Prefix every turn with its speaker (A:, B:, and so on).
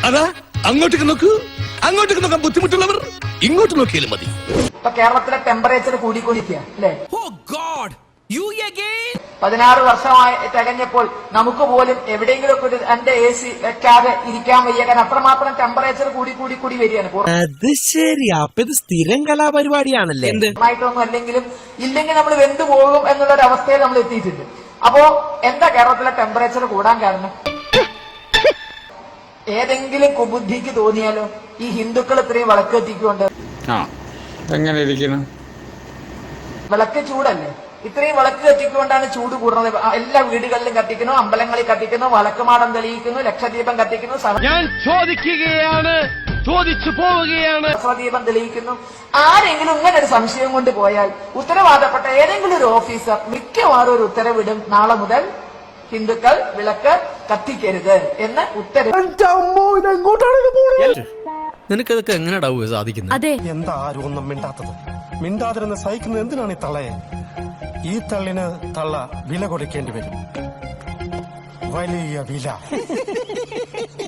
A: അതാ അങ്ങോട്ടേക്ക് നോക്കൂ. അങ്ങോട്ടേക്ക് നോക്കാൻ ബുദ്ധിമുട്ടുള്ളവർ ഇങ്ങോട്ട് നോക്കിയാലും മതി.
B: ഇപ്പൊ കേരളത്തിലെ ടെമ്പറേച്ചർ കൂടിക്കൊണ്ടിരിക്കുക അല്ലേ? 16 വർഷമായി തികഞ്ഞപ്പോൾ നമുക്ക് പോലും എവിടെയെങ്കിലും ഒക്കെ എന്റെ AC വെക്കാതെ ഇരിക്കാൻ വയ്യ. കാരണം അത്രമാത്രം ടെമ്പറേച്ചർ കൂടി വരികയാണ്.
C: അത് ശരി, അപ്പൊ ഇത് സ്ഥിരം കലാപരിപാടിയാണല്ലേ?
B: ആയിട്ടൊന്നും അല്ലെങ്കിലും ഇല്ലെങ്കിൽ നമ്മൾ വെന്തു പോകും എന്നുള്ള ഒരു അവസ്ഥയിൽ നമ്മൾ എത്തിയിട്ടുണ്ട്. അപ്പോ എന്താ കേരളത്തിലെ ടെമ്പറേച്ചർ കൂടാൻ കാരണം? ഏതെങ്കിലും കുബുദ്ധിക്ക് തോന്നിയാലോ ഈ ഹിന്ദുക്കൾ ഇത്രയും വിളക്ക് കത്തിക്കൊണ്ട്
D: എങ്ങനെ ഇരിക്കണം?
B: വിളക്ക് ചൂടല്ലേ? ഇത്രയും വിളക്ക് കത്തിക്കൊണ്ടാണ് ചൂട് കൂടുന്നത്. എല്ലാ വീടുകളിലും കത്തിക്കുന്നു, അമ്പലങ്ങളിൽ കത്തിക്കുന്നു, വിളക്കുമാടം തെളിയിക്കുന്നു, ലക്ഷദീപം കത്തിക്കുന്നു,
E: ഞാൻ ചോദിക്കുകയാണ്, ചോദിച്ചു പോവുകയാണ്,
B: സഹസ്രദീപം തെളിയിക്കുന്നു. ആരെങ്കിലും ഇങ്ങനെ ഒരു സംശയം കൊണ്ട് പോയാൽ ഉത്തരവാദപ്പെട്ട ഏതെങ്കിലും ഒരു ഓഫീസർ മിക്കവാറും ഒരു ഉത്തരവിടും, നാളെ മുതൽ ഹിന്ദുക്കൾ വിളക്ക് കത്തിക്കരുത് എന്ന് ഉത്തരവ്.
C: നിനക്കതൊക്കെ എങ്ങനെയാ സാധിക്കുന്നത്?
F: എന്താ ആരും ഒന്നും മിണ്ടാത്തത്? മിണ്ടാതിരുന്ന് സഹിക്കുന്നത് എന്തിനാണ് ഈ തള്ളയെ? ഈ തള്ളിന് തള്ള വില കൊടുക്കേണ്ടി വരും, വലിയ വില.